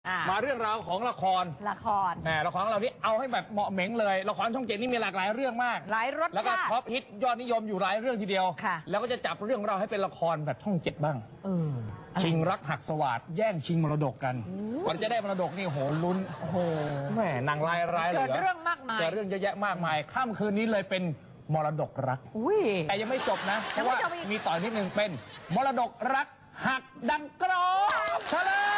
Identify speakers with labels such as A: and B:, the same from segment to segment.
A: มาเรื่องราวของละคร
B: ละคร
A: ของเรานี่เอาให้แบบเหมาะเหม็งเลยละครช่อง7นี่มีหลากหลายเรื่องมาก
B: หลายรสชาติ
A: แล้วก็ท็อปฮิตยอดนิยมอยู่หลายเรื่องทีเดียว
B: ค่ะ
A: แล้วก็จะจับเรื่องเราให้เป็นละครแบบช่อง7บ้างชิงรักหักสวาทแย่งชิงมรดกกันก่อนจะได้มรดกนี่โหลุ้นแหมนางร้ายเหลือ
B: เกิดเรื่องมากมาย
A: เกิดเรื่องเยอะแยะมากมายค่ำคืนนี้เลยเป็นมรดกรักแต่ยังไม่จบนะเพราะว่ามีต่อนิดนึงเป็นมรดกรักหักดังกรอบเฉลย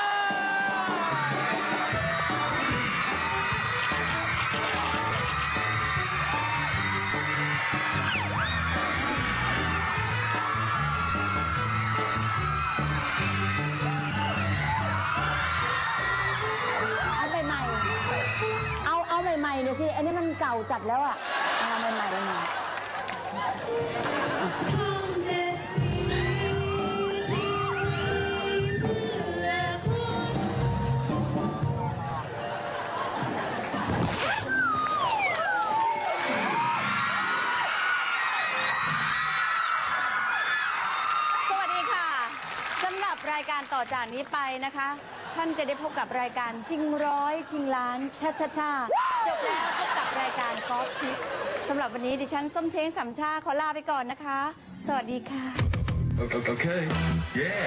C: เอาใหม่ๆเนี่ยสิอันนี้มันเก่าจัดแล้วอ่ะเอาใหม่ๆเลยนะ
D: สวัสดีค่ะสำหรับรายการต่อจากนี้ไปนะคะท่านจะได้พบกับรายการชิงร้อยชิงล้านชาจบแล้วพบกับรายการกอล์ฟทิปสำหรับวันนี้ดิฉันส้มเช้งสำชาขอลาไปก่อนนะคะ สวัสดีค่ะ
E: Okay. Yeah.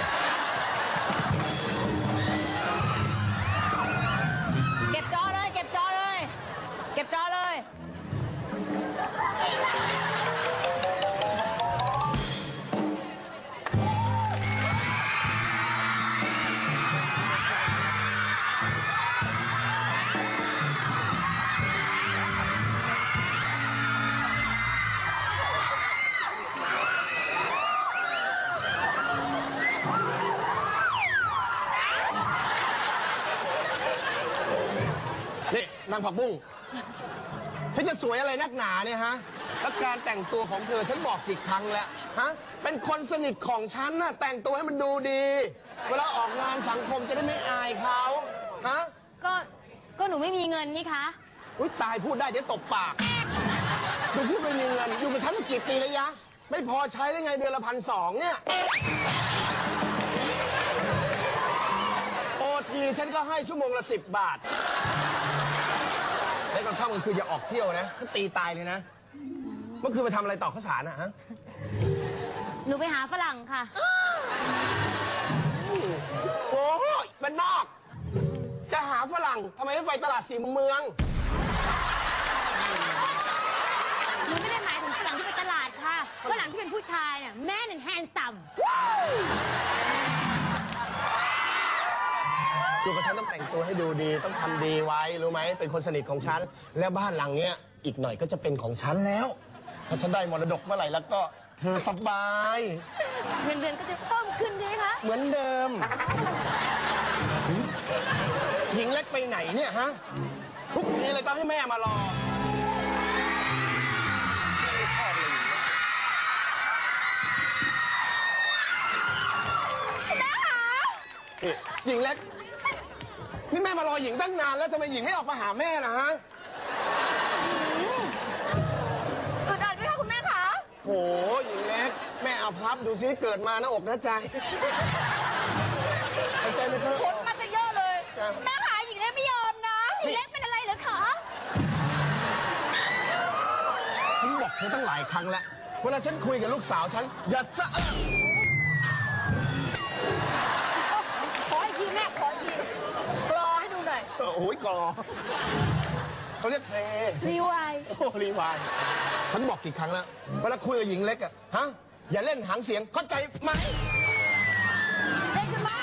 D: เก็บจอเลยเก็บจอเลยเก็บจอเลย
F: นี่นางผักบุ้งเธอจะสวยอะไรนักหนาเนี่ยฮะแล้วการแต่งตัวของเธอฉันบอกกี่ครั้งแล้วฮะเป็นคนสนิทของฉันน่ะแต่งตัวให้มันดูดี เวลาออกงานสังคมจะได้ไม่อายเขาฮะ
D: ก็หนูไม่มีเงินนี่คะ
F: อุ้ยตายพูดได้เดี๋ยวตบปากดูพูดไม่มีเงินอยู่กับฉันมากี่ปีแล้วยะไม่พอใช้ได้ไงเดือนละ1,200เนี่ยโอทีฉันก็ให้ชั่วโมงละ10 บาทแล้วก่อนเข้ามันคืออย่าออกเที่ยวนะเขาตีตายเลยนะเมื่อคืนไปทำอะไรต่อข้าวสารอะฮะ
D: หนูไปหาฝรั่งค่ะ
F: โอ้ยบ้านนอกจะหาฝรั่งทำไมไม่ไปตลาดสี่มุมเมือง
D: หนูไม่ได้หมายถึงฝรั่งที่ไปตลาดค่ะฝรั่งที่เป็นผู้ชายเนี่ยแม่หนึ่งแฮนซัม
F: อยู่กับฉันต้องแต่งตัวให้ดูดีต้องทำดีไว้รู้ไหมเป็นคนสนิทของฉันแล้วบ้านหลังเนี้ยอีกหน่อยก็จะเป็นของฉันแล้วถ้าฉันได้มรดกเมื่อไหร่แล้วก็เธอสบาย
D: เงินเดือนก็จะเพิ่มขึ้นใช่ไหมคะ
F: เหมือนเดิมหญิงเล็กไปไหนเนี่ยฮะทุกทีเลยต้องให้แม่มารอหญิงเล็กนี่แม่มารอหญิงตั้งนานแล้วทำไมหญิงไม่ออกมาหาแม่ล่ะฮะ
D: อึดอัดไหมคะคุณแม่คะ
F: โหหญิงเล็กแม่เอาพับดูซิเกิดมาหน้าอกหน้าใจใจไม่เพิ่ม
D: คนมาจะเยอะเลยแม่ขาหญิงเล็กไม่ยอมนะหญิงเล็กเป็นอะไรเหรอคะ
F: ฉันบอกเธอตั้งหลายครั้งแล้วเวลาฉันคุยกับลูกสาวฉันอย่าสะ
D: ขออีกทีแม่ขออีกทีกรอให้ดูหน่อย
F: โอ้ยกรอเขาเรียกเพล
D: รีวาย
F: โอ้รีวายฉันบอกกี่ครั้งแล้วเวลาคุยกับหญิงเล็กอะฮะอย่าเล่นหางเสียงเข้าใจไหม
D: เล่นขึ้นมา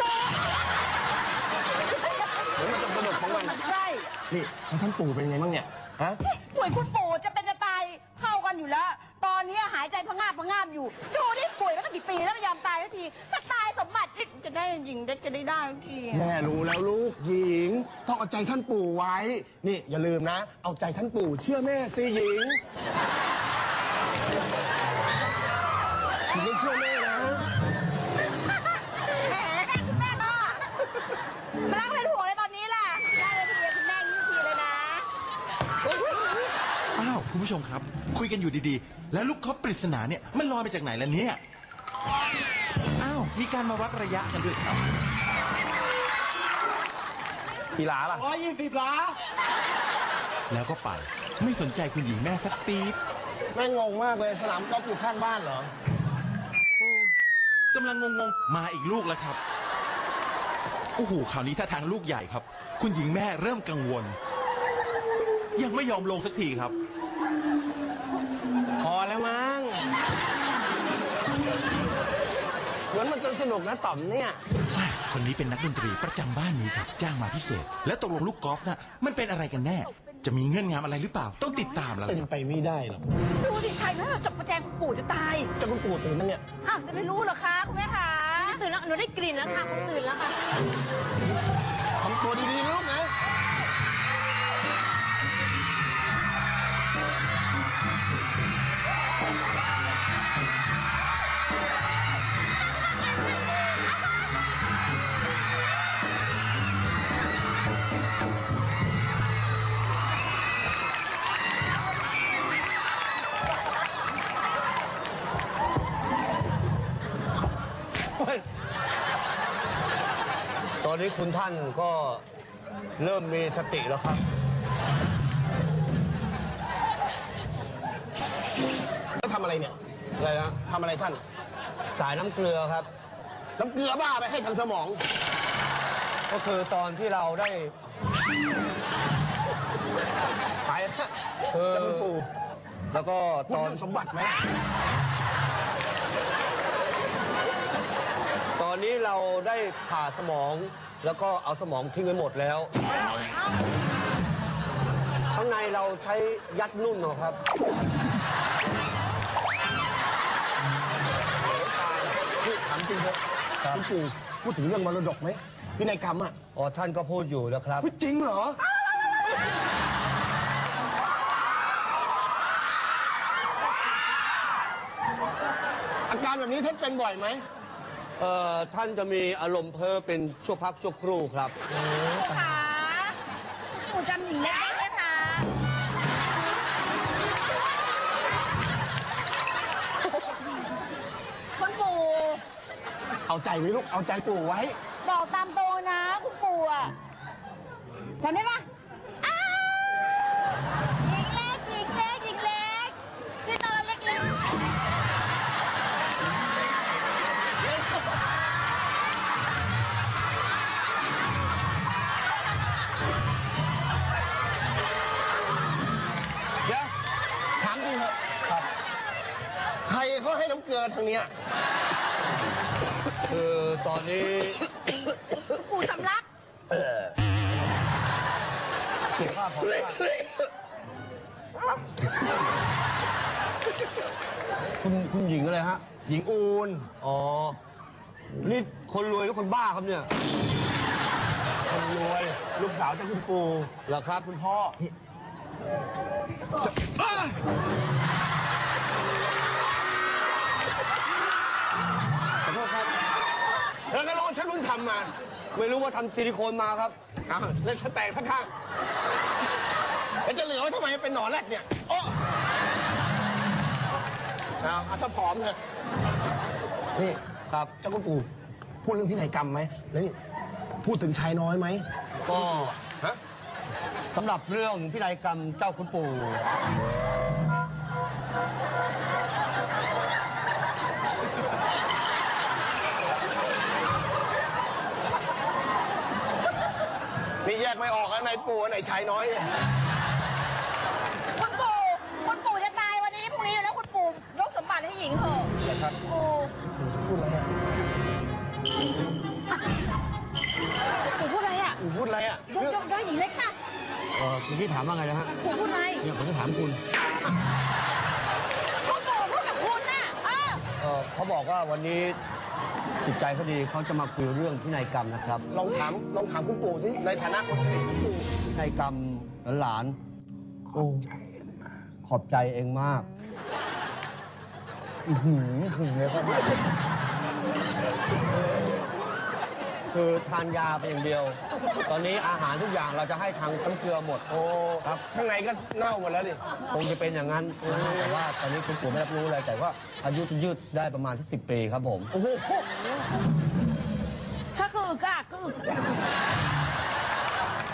F: เดี๋ยวมันจะสนุกของมัน
D: ใช่
F: นี่แล้วท่านปู่เป็นไงบ้างเนี่ยฮะ
D: ป่วยคุณปู่จะเป็นจะตายเข้ากันอยู่แล้วตอนนี้หายใจพะงาบอยู่ดูนี่ป่วยแล้วก็กี่ปีแล้วไม่ยอมตายสักทีถ้าตายสมบัติจะได้หญิงจะได้สักที
F: แม่รู้แล้วลูกหญิงต้องเอาใจท่านปู่ไว้นี่อย่าลืมนะเอาใจท่านปู่เชื่อแม่สิหญิงหญิงต้องเชื่อแม่นะ
D: แหมคุณแม่ก็มาล้างเป็นหัวเลยตอนนี้ล่ะได้เลยทีเดียวคุณแม่ยิ่งทีเลยนะ
E: อ้าวคุณผู้ชมครับคุยกันอยู่ดีๆแล้วลูกคอปปริศนาเนี่ยมันลอยมาจากไหนล่ะเนี่ยอ้าวมีการมาวัดระยะกันด้วยครับ
F: กี่หลาล่ะ120 หลา
E: แล้วก็ไป ไม่สนใจคุณหญิงแม่สักปี๊บ
F: แม่งงมากเลยสนามกอล์ฟอยู่ข้างบ้านเหรอ
E: กำลังงงๆ มาอีกลูกแล้วครับ โอ้โห คราวนี้ท่าทางลูกใหญ่ครับ คุณหญิงแม่เริ่มกังวล ยังไม่ยอมลงสักทีครับ
F: พอแล้วมั้งเหมือนมันจะสนุกนะต่อมเนี่ย
E: คนนี้เป็นนักดนตรีประจำบ้านนี้ครับ จ้างมาพิเศษ แล้วตกลงลูกกอล์ฟน่ะมันเป็นอะไรกันแน่ จะมีเงื่อนงำอะไรหรือเปล่า ต้องติดตามแล้ว
F: เป็
E: คน รับ
F: ไปไม่ได้หรอก
D: ดูดิชัยนะจบประแจงคุณปู่จะตาย
F: เจ้าคุณปู่ตื่นตั้งเนี่ย
D: อ้าวจะไม่รู้เหรอคะคุณแม่คะ
C: ตื่นแล้วหนูได้กลิ่นแล้วค่ะคุณตื่นแล้วค่ะ
F: ทำตัวดีๆนะลูกนะ
B: ตอนนี้คุณท่านก็เริ่มมีสติแล้วครับ
F: แล้วทำอะไรเนี่ย
B: อะไรนะ
F: ทำอะไรท่าน
B: สายน้ำเกลือครับ
F: น้ำเกลือบ้าไปให้ทางสมอง
B: ก็คือตอนที่เราได้
F: ไปนะ
B: เออ
F: เจ้าคุณปู่
B: แล้วก็
F: พูด
B: ตอน
F: เรื่องสมบัติไหม
B: ตอนนี้เราได้ผ่าสมอง แล้วก็เอาสมองทิ้งไปหมดแล้ว ข้างในเราใช้ยัดนุ่นเอาครับ
F: นี่ถามจริงเถอะคุณปู่พูดถึงเรื่องมรดกไหมพินัยกรรมอ่ะ
B: อ๋อท่านก็พูดอยู่แล้วครับ
F: พูดจริงเหรอ อาการแบบนี้ท่านเป็นบ่อยไหม
B: ท่านจะมีอารมณ์เพ้อเป็นชั่วพักชั่วครู่ครับ
D: ค่ะปู่จำหญิงเล็กได้ไหมคะคุณปู่
F: เอาใจไว้ลูก เอาใจปู่ไว้
D: บอกตามตรงนะคุณปู่อะจำได้ปะอ้าวหญิงเล็กหญิงเล็กหญิงเล็กที่นอนเล็กๆ
F: เดี๋ยว ถามจริงเถอะใครเขาให้น้ำเกลือทางเนี้ย
B: คือตอนนี้
D: ปู่สำลัก
B: สุขภาพของท่านคุณหญิงอะไรฮะ
F: หญิงอูน
B: อ๋อ นี่คนรวยหรือคนบ้าครับเนี่ย
F: คนรวย ลูกสาวเจ้าคุณปู่
B: เหรอครับคุณพ่อ ขอโทษครับ
F: แล้วก็ร้องฉันเพิ่งทำมา
B: ไม่รู้ว่าทำซิลิโคนมาครับ
F: อ้าวเล่นสแตกข้างๆแล้วจะเหลือไว้ทำไมเป็นหนอนแรกเนี่ยโอ้เอาซะผอมเถอะนี่
B: ครับ
F: เจ้าคุณปู่พูดเรื่องพินัยกรรมไหมแล้วนี่พูดถึงชายน้อยไหม
B: ก็
F: ฮะ
B: สำหรับเรื่องพินัยกรรมเจ้าคุณปู่
F: นี่แยกไม่ออกแล้วไหนปู่อันไหนชายน้อยเนี่ย
D: คุณปู่จะตายวันนี้พรุ่งนี้อยู่แล้วคุณปู่ยกสมบัติให้หญิงเถอะ
B: นะครับ
D: ปู่
F: พูดอะไรอ่ะ
D: ปู่พูดอะไรอ่ะ
F: ปู่พูดอะไรอ่ะ
D: ยกให้หญิงเล็กค่ะ
B: คุณพี่ถามว่าไงนะฮะ
D: ปู่พูดอะไร
B: เนี่ยผมจะถามคุณ
D: คุณปู่พูดกับคุณน่ะ
B: เขาบอกว่าวันนี้จิตใจเขาดีเขาจะมาคุยเรื่องพินัยกรรมนะครับ
F: ลองถามคุณปู่สิในฐานะคนสนิทของปู่
B: พินัยกรรมหลานๆโอ้ขอบใจเองมากถึงเลยครับคือทานยาไปอย่างเดียว ตอนนี้อาหารทุกอย่างเราจะให้ทางน้ำเกลือหมด
F: โอ้
B: ครับ
F: ข้างในก็เน่าหมดแล้วดิ
B: คงจะเป็นอย่างนั้นนะฮะแต่ว่าตอนนี้คุณปู่ไม่รับรู้อะไรแต่ว่าอายุจะยืดได้ประมาณสัก10 ปีครับผม
F: โอ้โห
D: ถ้าคืออึกอะคืออึก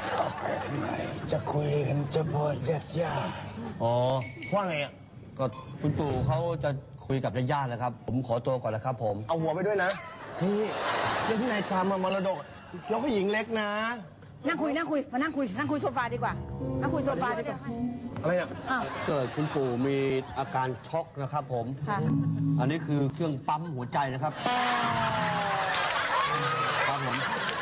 G: จะคุยกันจะพอญาติญาติ
B: อ๋อ
F: ว่าไงอ่ะ
B: ก็คุณปู่เขาจะคุยกับญาติๆแล้วครับ ผมขอตัวก่อนแล้วครับผม
F: เอาหัวไปด้วยนะ นี่เรื่องที่นายทำมรดกยกให้หญิงเล็กนะ
C: นั่งคุยมานั่งคุยโซฟาดีกว่า นั่งคุยโซฟาดีกว่า
F: อะไรเนี่ย
C: อ้าว
B: เกิดคุณปู่มีอาการช็อกนะครับผม
C: ค่ะ
B: อันนี้คือเครื่องปั๊มหัวใจนะครับ ครับผม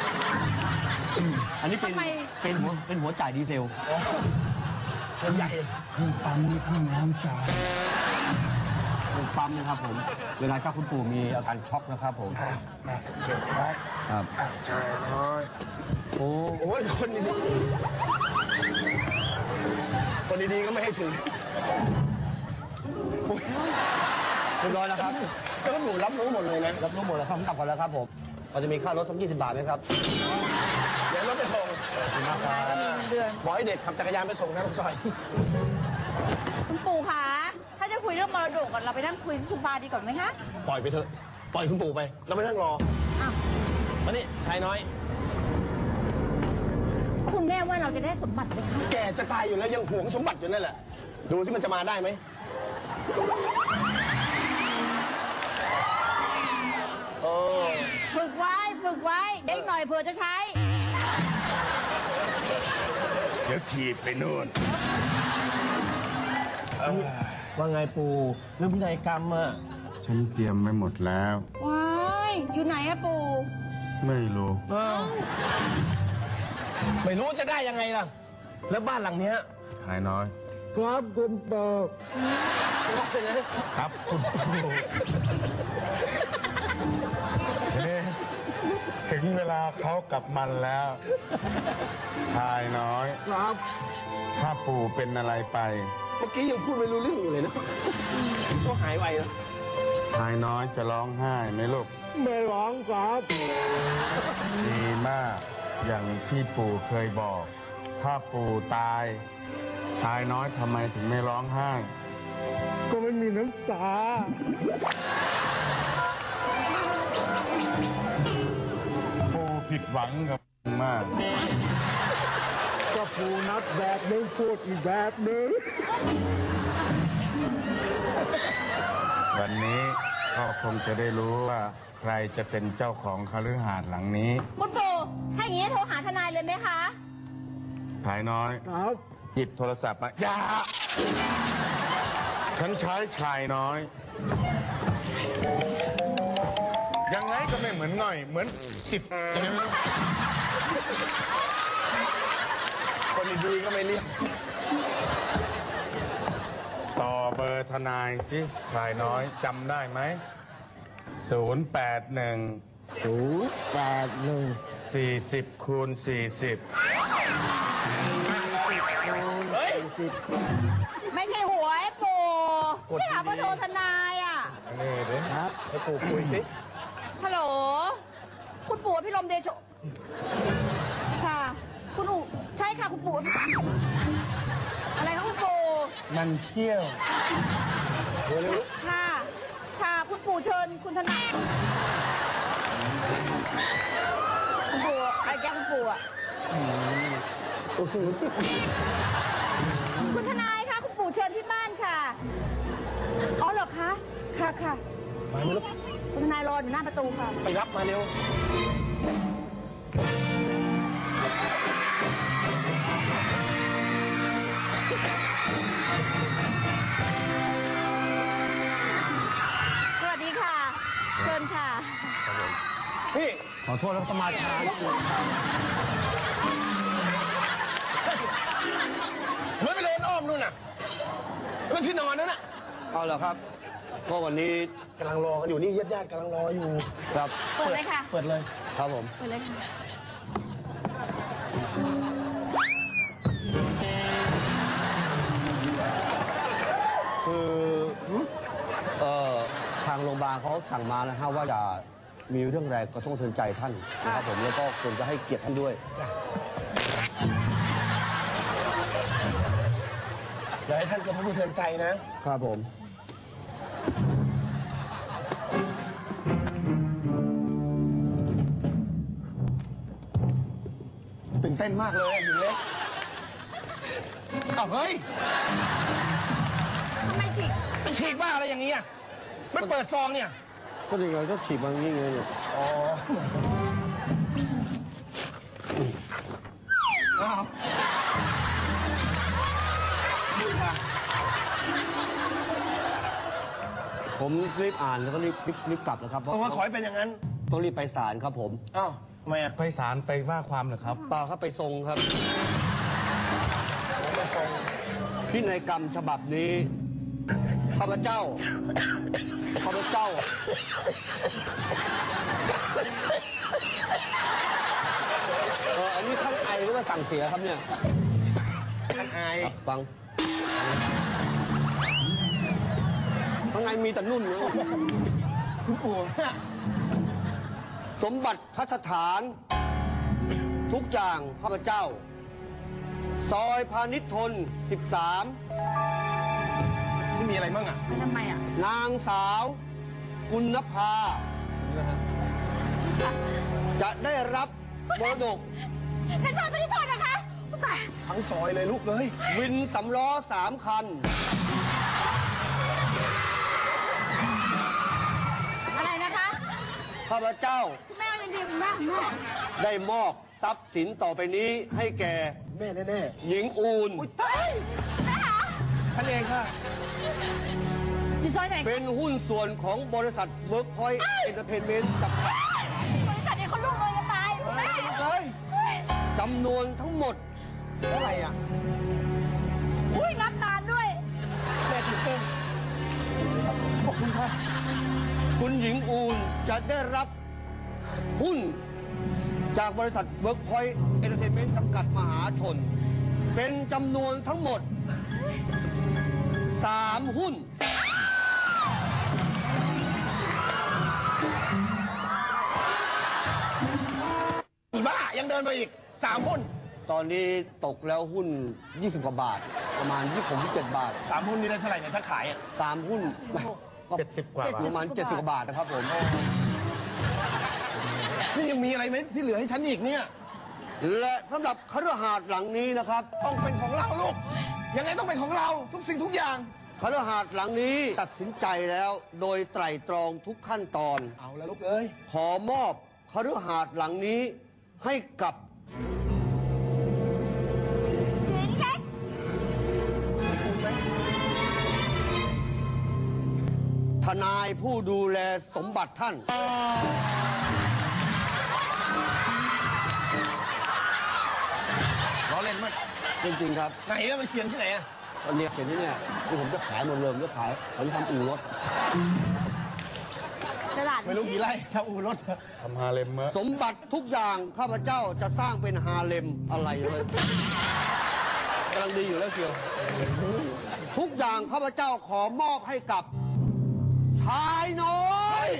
B: อันนี้เป็น
C: ทำไม
B: เป็นหัวจ่ายดีเซล
F: มันใหญ่
G: เพิ่งปั๊มนี่เพิ่งน้ำตา
B: เครื่องปั๊มนะครับผม เวลาเจ้าคุณปู่มีอาการช็อกนะครับผม
G: มาเก็บไว้
B: ครับ
G: ชายน้อย
B: โอ้
F: โอ้ยคนดีๆคนดีๆก็ไม่ให้ถึง
B: เรียบร้อยแล้วครับ
F: แล้วหนูรับรู้หมดเลยนะ
B: รับรู้หมดแล้วครับผมกลับก่อนแล้วครับผมเราจะมีค่ารถสัก20 บาทไหมครับ
F: เดี๋ยวรถไปส่ง
C: นายก็มีเงินเดือน
F: บอกให้เด็กขับจักรยานไปส่งนะลูกซอย
D: คุณปู่คะ ถ้าจะคุยเรื่องมรดกก่อนเราไปนั่งคุยที่โซฟาดีก่อนไหมคะ
F: ปล่อยไปเถอะ ปล่อยคุณปู่ไป เราไม่นั่งรอ
C: อ้าว
F: มานี่ชายน้อย
D: คุณแม่ว่าเราจะได้สมบัติไหมคะ
F: แกจะตายอยู่แล้วยังหวงสมบัติอยู่นั่นแหละ ดูสิมันจะมาได้ไหมโอ้
D: ฝึกไว้เด็กหน่อยเผื่อจะใช้
G: เดี๋ยวถีบไปนู่น
F: ว่าไงปู่เรื่องพินัยกรรมอะ
G: ฉันเตรียมไว้หมดแล้ว
D: ว้ายอยู่ไหนอะปู่
G: ไม่รู้
F: อ้าวไม่รู้จะได้ยังไงล่ะ แล้วบ้านหลังเนี้ย
G: ชายน้อย ครับคุณปู่
F: ว่าเลยนะครับ
G: คุณปู่นี่ถึงเวลาเขากับมันแล้ว ชายน้อย
F: ครับ
G: ถ้าปู่เป็นอะไรไป
F: เมื่อกี้ยังพูดไม่รู้เรื่องอยู่เลยนะก็หายไวแล้ว
G: ชายน้อยจะร้องไห้ไหมลูก ไม่ร้องครับ ดีมาก อย่างที่ปู่เคยบอก ถ้าปู่ตาย ชายน้อยทำไมถึงไม่ร้องไห้ ก็ไม่มีน้ำตา ปู่ผิดหวังกับมาก ก็ปู่นัดแบบนึงพูดอีกแบบนึง วันนี้ก็คงจะได้รู้ว่าใครจะเป็นเจ้าของคฤหาสน์หลังนี้
D: คุณปู่ถ้าอย่างนี้โทรหาทนายเลยไหมคะ
G: ชายน้อย ครับ หยิบโทรศัพท์มาอย่าฉันใช้ชายน้อย ยังไงก็ไม่เหมือนหน่อย เหมือนติดยังไงไม่รู้
F: คนดีๆก็ไม่เรียก
G: ต่อเบอร์ทนายสิชายน้อยจำได้ไหม 40 คูณ 40
F: เฮ้ย
D: ไม่ใช่หวยปู่ที่หาเบอร์โทรทนายอะ
G: นี่เด้ครับ
F: ให้ปู่คุยสิ
D: ฮัลโหล คุณปู่พี่ลมเดโชค่ะ คุณอูใช่ค่ะคุณปู่อะไรคะคุณปู่
G: มันเที่ยว
F: เร็ว
D: ค่ะ ค่ะ คุณปู่เชิญคุณทนายคุณปู่ไอ้แกคุณปู่อะคุณทนายคะคุณปู่เชิญที่บ้านค่ะ อ๋อเหรอคะ ค่ะค่ะ
F: ๆมาไม่รู้
D: คุณทนายรออยู่หน้าประตูค่ะ
F: ไปรับมาเร็ว
D: สวัสดีค่ะ เชิญค่ะ
F: พี่
B: ขอโทษแล้วก็มาช้านิดนึง
F: ไม่ไปเดินอ้อมนู่นน่ะแล้วที่นอนนั่นน่ะ
B: เอาเหรอครับ ก็วันนี้
F: กำลังรอกันอยู่นี่ญาติๆกำลังรออยู่
B: ครับ
D: เปิดเลยค่ะ
F: เปิดเลย
B: ครับผม
D: เปิดเลยค่ะ
B: คือทางโรงพยาบาลเขาสั่งมานะฮะว่าอย่ามีเรื่องแรงกระทบกระเทือนใจท่านนะครับผมแล้วก็ควรจะให้เกียรติท่านด้วย
F: อย่าให้ท่านกระทบกระเทือนใจนะ
B: ครับผม
F: ตื่นเต้นมากเลยหญิงเล็กอ้าวเฮ้ย
D: ทำไมฉีก
F: ไปฉีกบ้าอะไรอย่างนี้อ่ะไม่เปิดซองเนี่ย
B: ก็ยังไงก็ฉีกบางอย่างเงี้ยเนี่ย
F: อ๋ออ้าวนี่ค่ะ
B: ผมรีบอ่านแล้วก็รีบกลับนะครับเพราะ
F: โอ้ขอให้เป็นอย่างนั้น
B: ต้องรีบไปศาลครับผม
F: อ้าวทำไมอ่ะ
G: ไปศาลไปว่าความเหรอครับ
B: เปล่าครับไปทรงครับ
F: ผมมาส่ง
B: พินัยกรรมฉบับนี้ข้าพเจ้าอันนี้ท่านไอหรือว่าสั่งเสียครับเนี่ย
F: ท่านอาย
B: ฟังข้างในมีแต่นุ่นนะ
F: คุณปู่เนี่ย
B: สมบัติพัฒฐาน ทุกอย่างข้าพเจ้า ซอยพาณิชย์ทน 13
F: นี่มีอะไรบ้างอ่ะ
D: ทำไมอ่ะ
B: นางสาวกุณภาจะได้รับมรดก
D: ในซอยไม่ได้โทษนะคะตาย
F: ทั้งซอยเลยลูกเลย
B: วินสำล้อ3 คัน
D: อะไรนะคะ
B: ข้าพเจ้า
D: คุณแม่ยังดีคุณแม่คุณแม่
B: ได้มอบทรัพย์สินต่อไปนี้ให้แก่
F: แม่แน่
B: หญิงอูน
F: ๆอุ้ยตายท่านเองค่ะ
D: อยู่ซอยไหน
B: เป็นหุ้นส่วนของบริษัทเวิร์กพอยต์เอนเตอร์เทนเมนต์จำกัด
D: บริษัทนี้เขาลูกเลยจะตายคุณแม่
F: เลย
B: จำนวนทั้งหมด
F: เท่าไหร่อ่ะ
D: อุ้ยนับนานด้วย
F: แม่ตื่นเต้นขอบคุณค่ะ
B: คุณหญิงอูนจะได้รับหุ้นจากบริษัทเวิร์กพอยต์เอนเตอร์เทนเมนต์จำกัดมหาชน เป็นจำนวนทั้งหมด 3 หุ้น
F: อีบ้ายังเดินไปอีก3 หุ้น
B: ตอนนี้ตกแล้วหุ้น 20 กว่าบาท ประมาณ27 บาท
F: 3 หุ้นนี่ได้เท่าไหร่เนี่ยถ้าขายอ่ะ
B: 3 หุ้นก็
G: 70 กว่าบาท
B: ประมาณ70 กว่าบาทนะครับผม
F: นี่ยังมีอะไรไหมที่เหลือให้ฉันอีกเนี่ย
B: และสำหรับคฤหาสน์หลังนี้นะครับ
F: ต้องเป็นของเราลูก ยังไงต้องเป็นของเราทุกสิ่งทุกอย่าง
B: คฤหาสน์หลังนี้ตัดสินใจแล้วโดยไตร่ตรองทุกขั้นตอน
F: เอาแล้วลูกเอ้ย
B: ขอมอบคฤหาสน์หลังนี้ให้กับ
D: หญิงเล็ก
B: ทนายผู้ดูแลสมบัติท่าน
F: ล้อเล่นมั้ย
B: จริงๆครับ
F: ไหนแล้วมันเขียนที่ไหนอ่ะ
B: ตอนนี้เห็นที่เนี่ยที่ผมจะขายหมดเลยผมจะขายผมทำอู่รถ
D: ตลาด
F: ไม่รู้กี่ไร่ถ้าอู่รถ
G: ทำฮาเลมเมอะ
B: สมบัติทุกอย่างข้าพเจ้าจะสร้างเป็นฮาเลมอะไรเลยกำลังดีอยู่แล้วเชียวทุกอย่างข้าพเจ้าขอมอบให้กับ ชายน้อย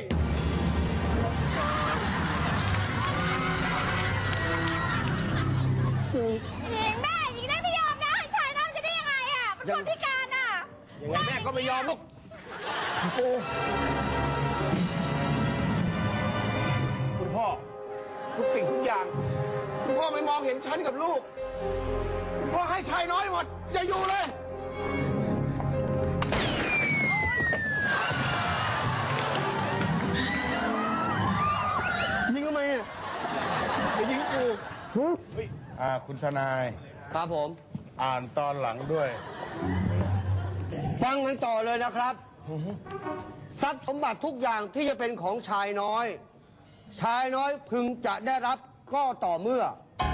D: หญิงแม่หญิงได้ไม่ยอมนะให้ชายน้ำจะได้ยังไงอ่ะเป็นคนพิการอ่ะ
F: ยังไงแม่ก็ไม่ยอมลูกปู่คุณพ่อ ทุกสิ่งทุกอย่าง คุณพ่อไม่มองเห็นฉันกับลูก คุณพ่อให้ชายน้อยหมด อย่าอยู่เลย
B: ยิงทำไมอ่ะ
F: ไปยิงปู่
G: คุณทนาย
B: ครับผม
G: อ่านตอนหลังด้วย
B: ฟังกันต่อเลยนะครับ ทรัพย์สมบัติทุกอย่างที่จะเป็นของชายน้อย ชายน้อยพึงจะได้รับก็ต่อเมื่อ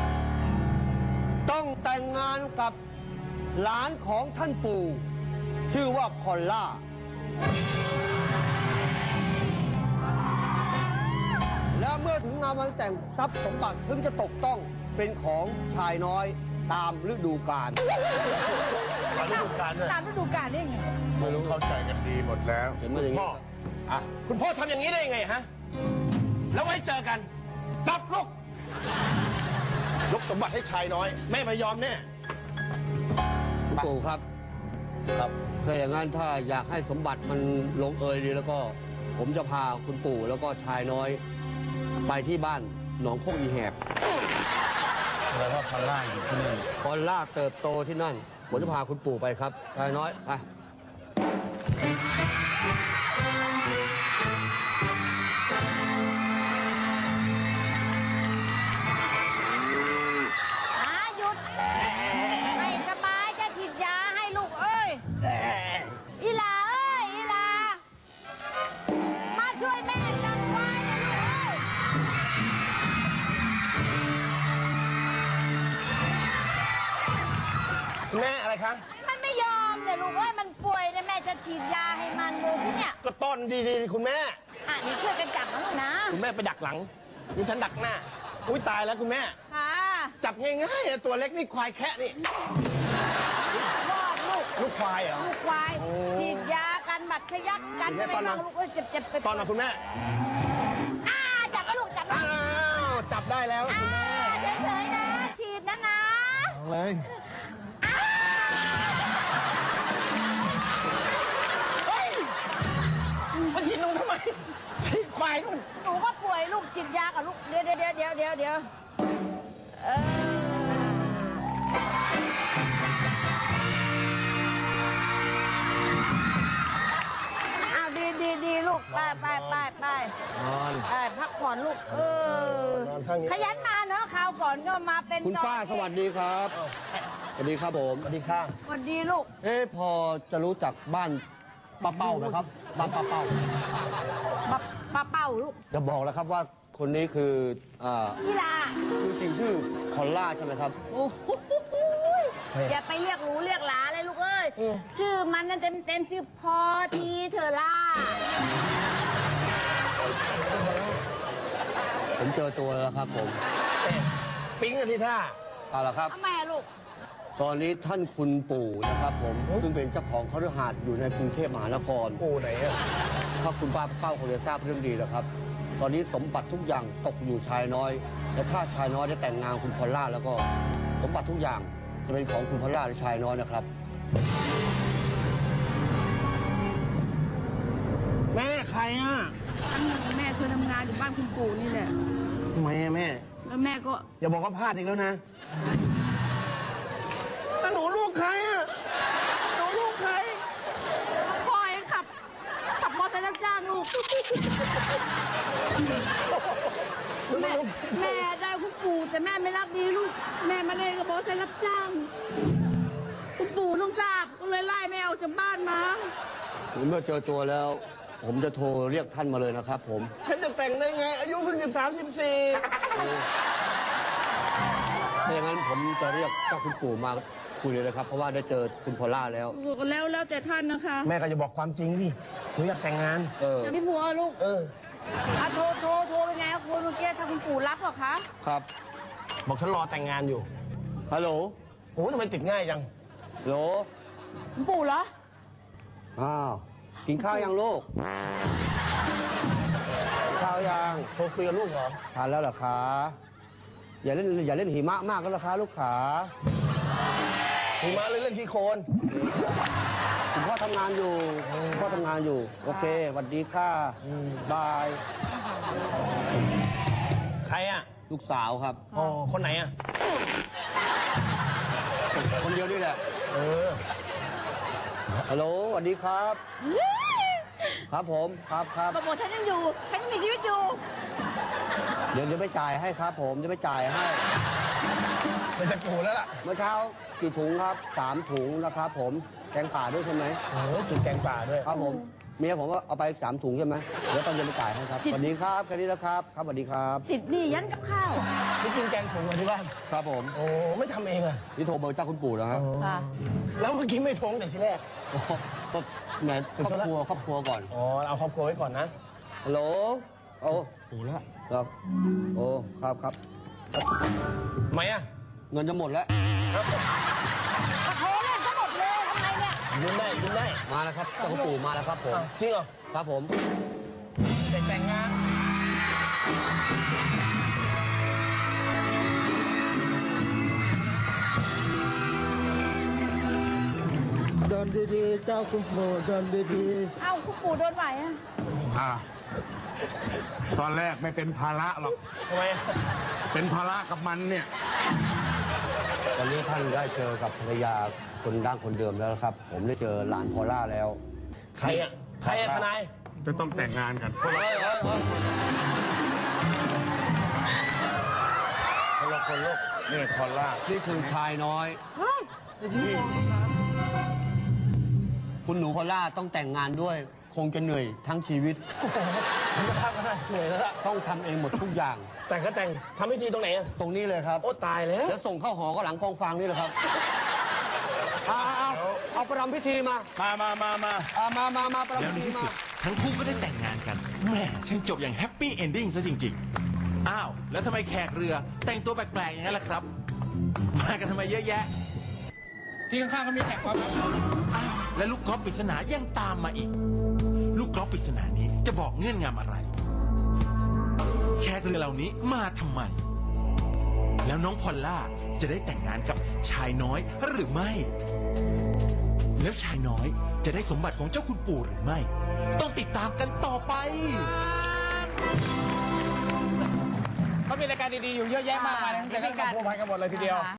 B: ต้องแต่งงานกับหลานของท่านปู่ ชื่อว่าพอลล่า และเมื่อถึงงานวันแต่งทรัพย์สมบัติถึงจะตกต้องเป็นของชายน้อยตามฤดูกาล
F: ตามฤดูกาลด้วย
D: ตามฤดูกาลได้ไง
G: ไม่รู้เข้าใจกันดีหมดแล้ว
B: เห็นไหมอย่างนี้
F: พ่ออ่ะคุณพ่อทำอย่างนี้ได้ยังไงฮะ แล้วไว้เจอกันกลับลูกยกสมบัติให้ชายน้อย แม่ไม่ยอมแน่
B: คุณปู่ครับ ครับถ้าอย่างนั้นถ้าอยากให้สมบัติมันลงเอยดีแล้วก็ ผมจะพาคุณปู่แล้วก็ชายน้อย ไปที่บ้านหนองโคกอีแหบ
A: แล้วก็พอลล่าอยู่ที่นี่
B: พอลล่าเติบโตที่นั่นผมจะพาคุณปู่ไปครับชายน้อยไป
D: หยุด ไม่สบายจะฉีดยาให้ลูกเอ้ย อีหลาเอ้ย อีหลา มาช่วยแม่จับควายนะลูกเอ้ย
F: แม่อะไรคะ
D: มันไม่ยอมแต่ลูกเอ้ย มันป่วยเนี่ยแม่จะฉีดยาให้มันดูที่เนี่ย
F: ก็ต้อนดีๆคุณแม่
D: นี่ช่วยกันจับนะลูกนะ
F: คุณแม่ไปดักหลัง นี่ฉันดักหน้า อุ้ยตายแล้วคุณแม่
D: ค่ะ
F: จับง่ายๆอะตัวเล็กนี่ควายแคะนี่
D: รอดลูก
F: ลูกควายเหรอ
D: ลูกควาย ฉีดยากันบัดทะยักกัน
F: คุณแม่
D: อะไร
F: ตอนนั้
D: บ้าน งลูกเอ้ยเจ็บไป
F: ตอนน่ะคุณแม่
D: จับไปลูกจับไป
F: อ้าวจับได้แล้วคุณแม่
D: เฉยๆนะ ฉีดนะ
F: เอาเลย เฮ้ยมาฉีดหนูทำไมฉีดควายนู่น
D: หนูก็ป่วยลูกฉีดยากับลูก เดี๋ยวอ้าวดีลูก ไป
B: นอน
D: พักผ่อนลูก
F: นอนข้างนี้
D: ขยันมาเนอะคราวก่อนก็มาเป็น
B: คุณป้าสวัสดีครับสวัสดีครับผม
F: สวัสดีค่ะ
D: สวัสดีลูก
B: พอจะรู้จักบ้านป้าเป้าไหมครับ บ้านป้าเป้า
D: ป้าเป้าลูก
B: จะบอกแล้วครับว่าคนนี้คือ
D: อีหลา
B: จริงๆชื่อพอลล่าใช่ไหมครับ
D: โอ้โหอย่าไปเรียกหรูเรียกหลาเลยลูกเอ้ย ชื่อมันนั่นเต็มชื่อพอทีเธอล่า
B: ผมเจอตัวแล้วครับผม
F: ปิ๊งกันที่ท่า
B: เอาละครับ
D: ทำไมอะลูก
B: ตอนนี้ท่านคุณปู่นะครับผมซึ่งเป็นเจ้าของคฤหาสน์อยู่ในกรุงเทพมหานคร
F: ปู่ไหนอะ
B: ถ้าคุณป้าเป้าคงจะทราบเรื่องดีแล้วครับ ตอนนี้สมบัติทุกอย่างตกอยู่ชายน้อย และถ้าชายน้อยได้แต่งงานคุณพอลล่าแล้วก็สมบัติทุกอย่างจะเป็นของคุณพอลล่าและชายน้อยนะครับ
F: แม่ใครอ่ะ
D: แม่เคยทำงานอยู่บ้านคุณปู่นี่แหละ
F: ทำไมอะแม่
D: แล้วแม่ก็
F: อย่าบอกว่าพลาดอีกแล้วนะแล้วหนูลูกใครอ่ะ หนูลูกใคร
D: พ่อเองขับมอเตอร์ไซค์รับจ้างลูก แม่ได้คุณปู่แต่แม่ไม่รักดีลูก แม่มาเล่นกับมอเตอร์ไซค์รับจ้าง คุณปู่ลูกทราบก็เลยไล่แม่ออกจากบ้านมา
B: เมื่อเจอตัวแล้ว ผมจะโทรเรียกท่านมาเลยนะครับผม
F: ฉันจะแต่งได้ไง อายุเพิ่ง13 14
B: ถ้าอย่างนั้นผมจะเรียกเจ้าคุณปู่มาคุยเลยนะครับ เพราะว่าได้เจอคุณพอลล่าแล้ว
D: แล้วแต่ท่านนะคะ
F: แม่ก็จะบอกความจริงสิหนูอยากแต่งงาน
D: อย่าพี่ผัวลูก
F: เออ
D: โทรเป็นไงคุณเมื่อกี้ถ้าคุณปู่รับเหรอคะ
B: ครับ
F: บอกฉันรอแต่งงานอยู่
B: ฮัลโหล
F: โอ้ทำไมติดง่ายจัง
B: โหล
D: คุณปู่เหรอ
B: อ้าวกินข้าวยังลูกกินข้าวยัง
F: โทรคุยกับลูกเหรอ
B: ทานแล้วเหรอคะอย่าเล่นหิมะมากก็แล้วคะลูกขา
F: ถึงมาเลยเล่นที่โคน
B: คุณพ่อทำงานอยู่คุณพ่อทำงานอยู่ โอเคสวัสดีค่ะบาย
F: ใครอ่ะ
B: ลูกสาวครับ
F: อ๋อ คนไหนอ่ะ
B: คนเดียวนี่แหละ
F: เออ
B: ฮัลโหลสวัสดีครับ ครับผมครับ
D: บอกฉันยังอยู่ ฉันยังมีชีวิตอยู่
B: เดี๋ยวไปจ่ายให้ครับ ผมจะไปจ่ายให้
F: ไม่ใช่ปู่แล้วล่ะ
B: เมื่อเช้ากี่ถุงครับ3 ถุงนะครับผมแกงป่าด้วยใช่ไหม
F: โอ้โหกินแกงป่าด้วย
B: ครับผมเมียผมก็เอาไป3 ถุงใช่ไหมเดี๋ยวตอนเย็นไปจ่ายให้ครับสวัสดีครับแค่นี้แล้วครับครับสวัสดีครับ
D: ติดหนี้ยันกับข้าว
F: นี่กินแกงถุงอยู่ที่บ้าน
B: ครับผม
F: โอ้ ไม่ทำเองอ่ะ
B: นี่โทรเบอร์เจ้าคุณปู่แล้วฮะ
D: ค่ะ
F: แล้วเมื่อกี้ไม่ทงแต่ทีแรก
B: โอ้โหก็แหมครอบครัวก่อน
F: อ๋อ เอาครอบครัวไว้ก่อนนะ
B: ฮัลโหลโอ้
F: ปู่แล้ว
B: ครับโอ้ครับ
F: ทำไมอ่ะ
B: เงินจะหมดแล้ว
D: โทรเล่นก็หมดเลยทำไมเนี่ย
F: ยืนได้ยืนได้
B: มาแล้วครับเจ้าคุณปู่มาแล้วครับผม
F: อ้าวจริงเหรอ
B: ครับผม
F: แต่งงานเดินดีๆ เจ้าคุณปู่เดินดี
D: เอ้าคุณปู่โดนไหวอะ
G: ตอนแรกไม่เป็นภาระหรอก
F: ๆทำไม
G: เป็นภาระกับมันเนี่ย
B: วันนี้ท่านได้เจอกับภรรยาคนดั้งคนเดิมแล้วครับ ผมได้เจอหลานพอลล่าแล้ว
F: ใครอ่ะทนาย
G: จะต้องแต่งงานกัน
B: คนละคนลูก
G: นี่พอลล่า
B: นี่คือชายน้อยนี่คุณหนูพอลล่าต้องแต่งงานด้วย คงจะเหนื่อยทั้งชีวิต
F: มันก็ทำกันได้เหนื่อยแล้วล่ะ
B: ต้องทำเองหมดทุกอย่าง
F: แต่งก็แต่งทำพิธีตรงไหนอะ
B: ตรงนี้เลยครับ
F: โอ้ตายแล้ว
B: แล้วส่งเข้าหอก็หลังกองฟางนี่แหละครับเอาประรำพิธีมามาประ
E: แล้ว
B: รำ
E: ใน
B: พิธี
E: ที่สุ
B: มา
E: ดทั้งคู่ก็ได้แต่งงานกันแหม่ช่างจบอย่างแฮปปี้เอนดิ้งซะจริงๆ อ้าว แล้วทำไมแขกเรือแต่งตัวแปลกๆอย่างนั้นล่ะครับ มากันทำไมเยอะแยะ
A: ที่ข้างๆเขามีแขกกอล์ฟครับ
E: อ้าว และลูกกอล์ฟปริศนายังตามมาอีก ลูกกอล์ฟปริศนานี้จะบอกเงื่อนงำอะไร แขกเรือเหล่านี้มาทำไม แล้วน้องพอลล่าจะได้แต่งงานกับชายน้อยหรือไม่ แล้วชายน้อยจะได้สมบัติของเจ้าคุณปู่หรือไม่ ต้องติดตามกันต่อไป
A: เขามีรายการดีๆอยู่เยอะแยะมากมายนะแต่ก็มาพัวพันกันหมดเลยทีเดียว